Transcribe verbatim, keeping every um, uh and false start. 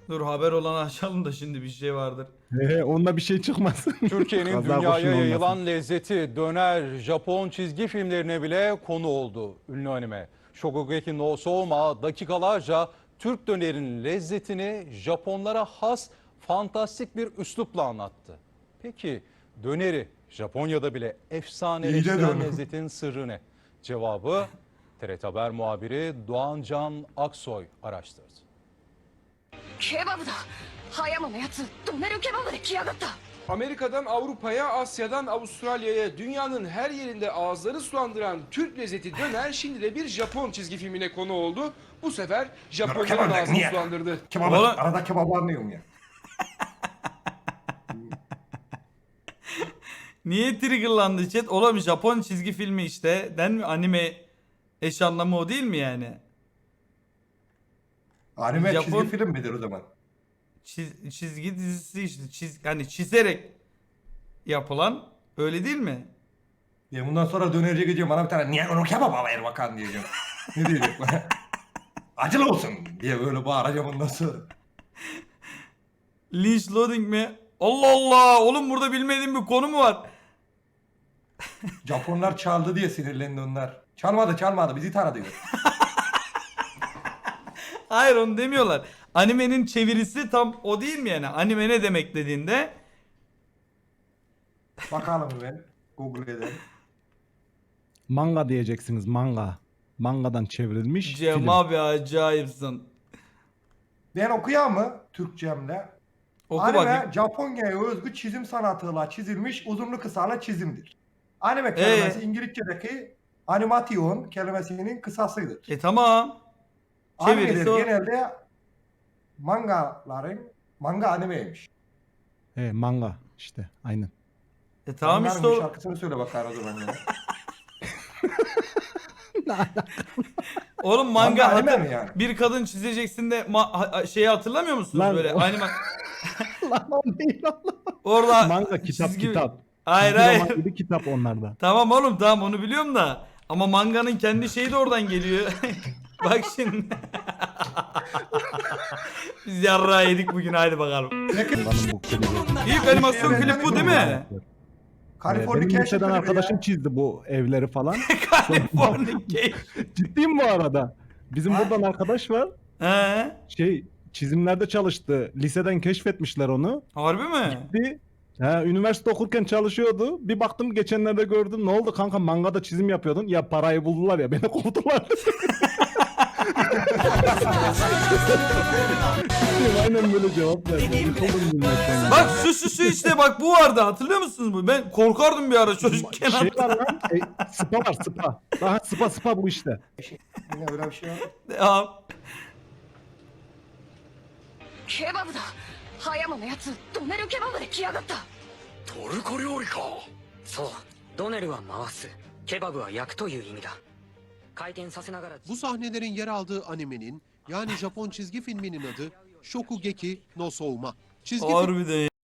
Dur haber olanı açalım da şimdi bir şey vardır. Ee, onda bir şey çıkmaz. Türkiye'nin Kaza dünyaya kurşun olmasın. yayılan lezzeti döner Japon çizgi filmlerine bile konu oldu ünlü anime. Shokugeki no Souma dakikalarca Türk dönerin lezzetini Japonlara has fantastik bir üslupla anlattı. Peki döneri Japonya'da bile efsaneleştiren lezzetin sırrı ne? Cevabı T R T Haber muhabiri Doğan Can Aksoy araştırdı. ケバブだ葉山のやつドネルケバブで来やがった Amerika'dan Avrupa'ya, Asya'dan Avustralya'ya dünyanın her yerinde ağızları sulandıran Türk lezzeti döner şimdi de bir Japon çizgi filmine konu oldu. Bu sefer Japonya'nın Kebap ağzını niye? sulandırdı. Kebabı, Oğlum- arada kebabı anlıyorum ya. Niye triggerlandı chat? Oğlum Japon çizgi filmi işte. Den mi anime eş anlamı o değil mi yani? Anime Japon- çizgi film midir o zaman? Çiz- çizgi dizisi işte. Çiz hani çizerek yapılan öyle değil mi? Ya bundan sonra dönerciye gideceğim bana bir tane niye onu kebaba ver bakan diyeceğim. Ne diyecek bana? Acılı olsun diye böyle bağıracağım ondan sonra. Lynch loading mi? Allah Allah! Oğlum burada bilmediğim bir konu mu var? Japonlar çaldı diye sinirlendi onlar. Çalmadı çalmadı bizi taradı diyor. Hayır onu demiyorlar. Animenin çevirisi tam o değil mi yani? Anime ne demek dediğinde Bakalım ben Google edelim. Manga diyeceksiniz, manga. Mangadan çevrilmiş Cem film. abi acayipsin. Ben okuyayım mı Türkçemle? Oku Anime bakayım. Japonya'ya özgü çizim sanatıyla çizilmiş uzunlu kısalı çizimdir. Anime kelimesi Ee? İngilizce'deki animation kelimesinin kısasıdır. E tamam. Çevirisi Animeler o. genelde mangaların manga animeymiş. He, manga işte, aynen. E tamam Manga'nın işte bir o. şarkısını söyle bakar o zaman ya. Oğlum manga, Manga anime hatır- mi yani? bir kadın çizeceksin de ma- ha- şeyi hatırlamıyor musunuz Lan böyle o- anime Lan o değil Allah. orada Manga kitap çizgi- kitap. Hayır Çizgi roman hayır. gibi kitap onlarda. Tamam oğlum tamam onu biliyorum da ama manganın kendi şeyi de oradan geliyor. Bak şimdi. Biz yarrağı yedik bugün haydi bakalım. Lanın bu klibi. İlk animasyon klip bu değil mi? Ee, Benim Californication liseden klibi arkadaşım ya. çizdi bu evleri falan. Californication. Ciddiyim bu arada. Bizim Ha? buradan arkadaş var. He? Şey çizimlerde çalıştı. Liseden keşfetmişler onu. Harbi mi? Bir He, üniversite okurken çalışıyordu. Bir baktım geçenlerde gördüm. Ne oldu kanka, mangada çizim yapıyordun. Ya parayı buldular ya beni kovdular. Aynen böyle cevap verdi. Yıkıldım gülmekten. Bak şu şu şu işte bak bu vardı hatırlıyor musunuz bu? Ben korkardım bir ara çocukken. Şey var lan. E, spa var spa. Daha spa spa bu işte. Yine öyle bir şey var. Ya, ケバブだ葉山のやつドネルケバブで来やがったトルコ料理か。そうドネルは回す、ケバブは焼くという意味だ。回転させながら Bu sahnelerin yer aldığı animenin yani Japon çizgi filminin adı Shokugeki no Souma. Çizgi film harbiden